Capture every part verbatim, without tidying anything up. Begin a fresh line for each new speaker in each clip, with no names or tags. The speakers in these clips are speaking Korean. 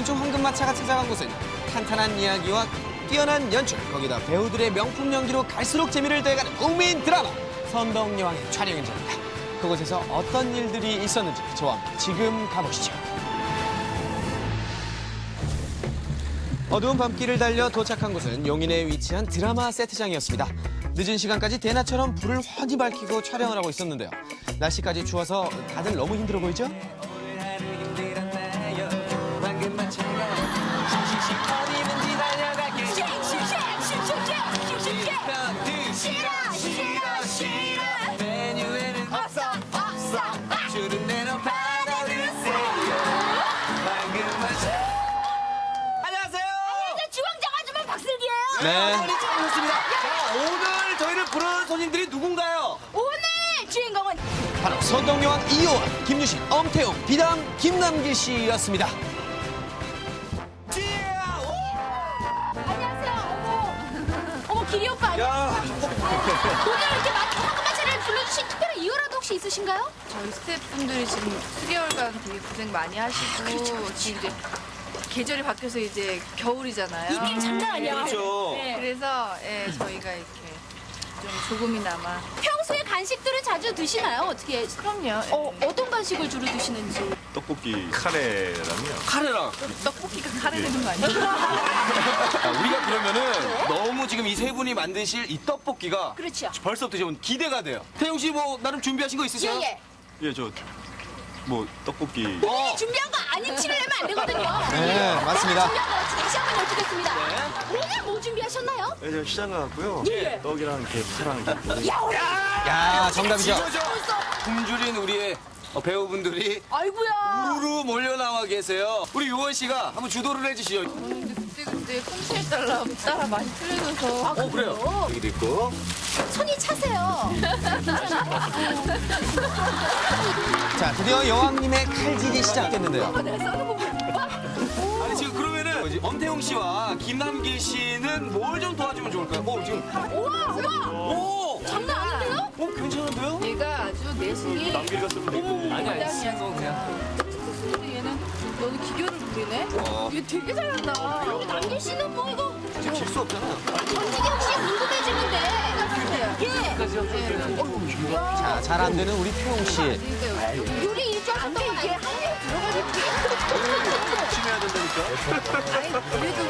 이번 주 황금마차가 찾아간 곳은 탄탄한 이야기와 뛰어난 연출, 거기다 배우들의 명품 연기로 갈수록 재미를 더해가는 국민 드라마 선덕여왕의 촬영 현장입니다. 그곳에서 어떤 일들이 있었는지 저와 함께 지금 가보시죠. 어두운 밤길을 달려 도착한 곳은 용인에 위치한 드라마 세트장이었습니다. 늦은 시간까지 대낮처럼 불을 환히 밝히고 촬영을 하고 있었는데요. 날씨까지 추워서 다들 너무 힘들어 보이죠? 네.
잘하셨습니다. 자, 오늘 저희를 부른 손님들이 누군가요?
오늘 주인공은
바로 선덕여왕 이호원, 김유신, 엄태웅, 비담, 김남길 씨였습니다.
안녕하세요. 어머, 어머 기리 오빠 안녕하세요. 오늘 이렇게 황금마차를 불러주신 특별한 이유라도 혹시 있으신가요?
저희 스태프분들이 지금 수개월간 되게 고생 많이 하시고
그렇죠,
지금 이제 계절이 바뀌어서 이제 겨울이잖아요.
이게 장난 아니야.
그렇죠.
네.
그래서 예, 저희가 이렇게 좀 조금이나마.
평소에 간식들은 자주 드시나요? 어떻게?
그럼요.
어, 어떤 간식을 주로 드시는지.
떡볶이 카레랑요.
카레랑.
떡볶이가 카레 되는 거 아니에요?
자, 우리가 그러면은 너무 지금 이 세 분이 만드실 이 떡볶이가
그렇죠.
벌써부터 좀 기대가 돼요. 태용 씨 뭐 나름 준비하신 거 있으세요?
예예.
예, 저 뭐 떡볶이.
어.
준비한 거 아닌 치를 내면 안 되거든요.
네, 맞습니다.
준비한 거 없이 다시 한번 여쭙겠습니다.
네.
오늘 뭐 준비하셨나요?
예, 저 시장 가고요.
예.
떡이랑 이렇게 파랑 이렇게.
야,
야, 정답이죠?
이거죠. 굶주린 우리의 어, 배우분들이
아이고야.
우르르 몰려 나와 계세요. 우리 요원 씨가 한번 주도를 해주시죠.
근데 그때 그때 콩실에 따라 따라 많이 틀려져서.
어 그래요. 여기도 있고.
손이 차세요.
자, 드디어 여왕님의 칼질이 시작됐는데요.
아니 지금 그러면은 엄태웅 씨와 김남길 씨는 뭘 좀 도와주면 좋을까요? 어 지금.
우와, 우와.
오.
장난 아닌데요?
어 괜찮은데요?
얘가 아주 내숭이.
남길 같으면 되고.
아니 아니 신거 그냥.
근데 얘는 너는 기교를 부리네.
어.
얘 되게 잘한다.
우리 남길 씨는 뭐 이거
지금 질 수 없잖아.
권지경 씨 궁금해지는데. 예.
자, 잘 안 되는 우리 태웅 씨.
요리 일정 안 돼, 이게. 한개 들어가니까.
열심히 해야 된다니까.
아니 그래도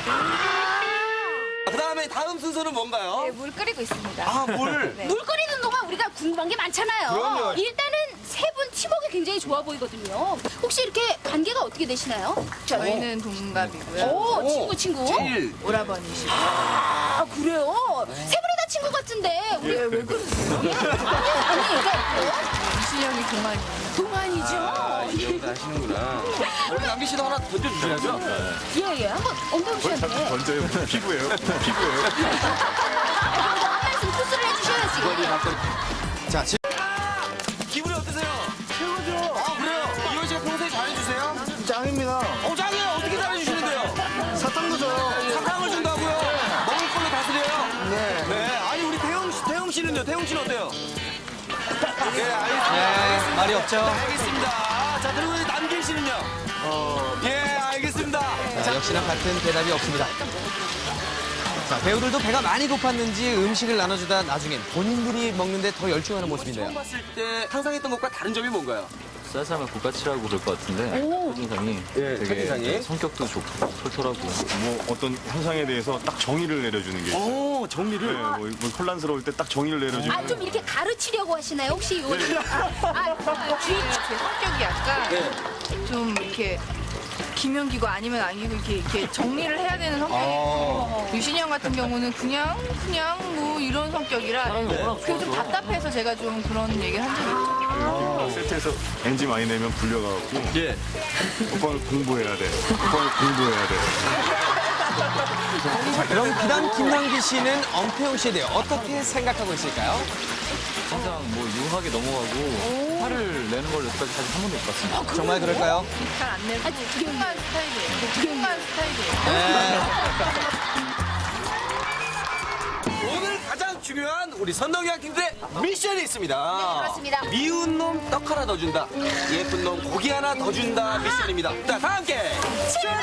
그 다음에 다음 순서는 뭔가요?
네, 물 끓이고 있습니다.
아 물.
네.
물 끓이는 동안 우리가 궁금한 게 많잖아요.
그럼요.
일단은 세 분 팀워크 굉장히 좋아 보이거든요. 혹시 이렇게 관계가 어떻게 되시나요?
저희는 동갑이고요.
오, 친구, 친구.
제일
오라버니시고.
아, 그래요? 세 분이 다 친구 같은데. 우리 왜, 왜 그러세요? 예? 아니, 아니, 그러니까
이신영이 동안이에요.
동안이죠?
아, 이 정도 하시는구나. 우리 남길 씨도 하나 던져주셔야죠.
예, 예. 한번 엄태웅 씨한테.
던져요. 피부예요. 피부예요.
한 말씀 투수를 해주셔야지.
자, 지금
기분이 어떠세요? 최고죠. 아 그래요? 이현 씨가 평소에 잘해주세요?
짱입니다.
어 짱이에요. 어떻게 잘해주시는데요?
사탕도 줘요.
사탕을 준다고요? 먹을 걸로 다스려요? 네. 네. 아니 우리 태용 씨, 태용 씨는요? 태용 씨는 어때요? 네, 알겠습니다.
네, 말이 없죠?
알겠습니다. 자, 그리고 우리 남길 씨는요? 어. 예, 알겠습니다.
자, 역시나 같은 대답이 없습니다. 자, 배우들도 배가 많이 고팠는지 음식을 나눠주다 나중엔 본인들이 먹는데 더 열중하는 모습인데요.
처음 봤을 때 상상했던 것과 다른 점이 뭔가요?
쌀쌀한 국가치라고 그럴 것 같은데 첫인상이
예,
되게
첫인상이?
성격도 좋고 털털하고
뭐 어떤 현상에 대해서 딱 정의를 내려주는 게 있어요.
오, 정리를.
네, 뭐, 뭐 혼란스러울 때 딱 정의를 내려주는.
아, 좀 이렇게 가르치려고 하시나요? 혹시 요리? 아,
제 성격이 약간
네.
좀 이렇게 기면기고 아니면 아니고 이렇게, 이렇게 정리를 해야 되는 성격이고 유신이 형 같은 경우는 그냥 그냥 뭐 이런 성격이라 그게 좀 답답해서 제가 좀 그런 얘기를 한 적이 있죠.
그 세트에서 엔지 많이 내면 불려가고.
예.
오빠는 공부해야 돼. 오빠는 공부해야 돼.
자, 그럼 비단 김남길 씨는 엄태웅 씨에 대해 어떻게 생각하고 있을까요?
항상 뭐 유하게 넘어가고 화를 내는 걸 여태까지 사실 한 번도 못 봤습니다.
정말 그럴까요?
잘 안 내고 흉한 스타일이에요. 흉한 스타일이에요.
네.
오늘 가장 중요한 우리 선덕여행 팀들의 미션이 있습니다.
네, 그렇습니다.
미운 놈 떡 하나 더 준다. 예쁜 놈 고기 하나 더 준다 미션입니다. 자, 다 함께 출발!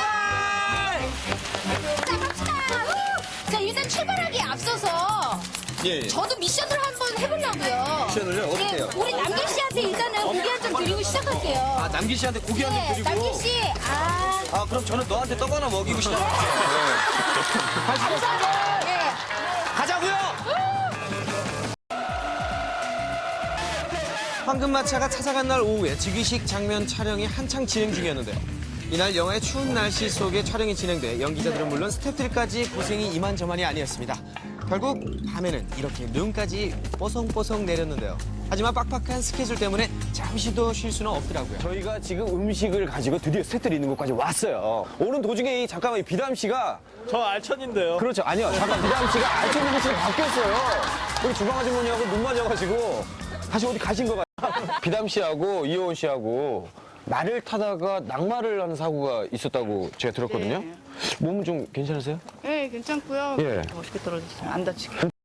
자, 갑시다. 우! 자, 일단 출발하기에 앞서서
예, 예.
저도 미션을 한번 해보려고요.
미션을요? 어떻게 해요?
네, 우리 남길 씨한테 일단은 고기 한 점 드리고 시작할게요.
아, 남기 씨한테 고기 한 점
네,
드리고.
남길 씨. 아,
아, 그럼 저는 너한테 떡 하나 먹이고 시작할게요.
감사합니다. 네.
가자고요!
황금마차가 찾아간 날 오후에 즉위식 장면 촬영이 한창 진행 중이었는데요. 이날 영화의 추운 날씨 속에 촬영이 진행돼 연기자들은 물론 스태프들까지 고생이 이만저만이 아니었습니다. 결국 밤에는 이렇게 눈까지 뽀송뽀송 내렸는데요. 하지만 빡빡한 스케줄 때문에 잠시도 쉴 수는 없더라고요.
저희가 지금 음식을 가지고 드디어 스태프들이 있는 곳까지 왔어요. 오는 도중에 이 잠깐만 이 비담 씨가
저 알천인데요.
그렇죠. 아니요. 잠깐 비담 씨가 알천 누구씨로 바뀌었어요. 우리 주방 아주머니하고 눈 맞아가지고 다시 어디 가신 거 같아요. 비담 씨하고 이효원 씨하고 말을 타다가 낙마를 하는 사고가 있었다고 제가 들었거든요.
네.
몸은 좀 괜찮으세요?
네, 괜찮고요.
예.
멋있게 떨어졌어요. 안 다치게.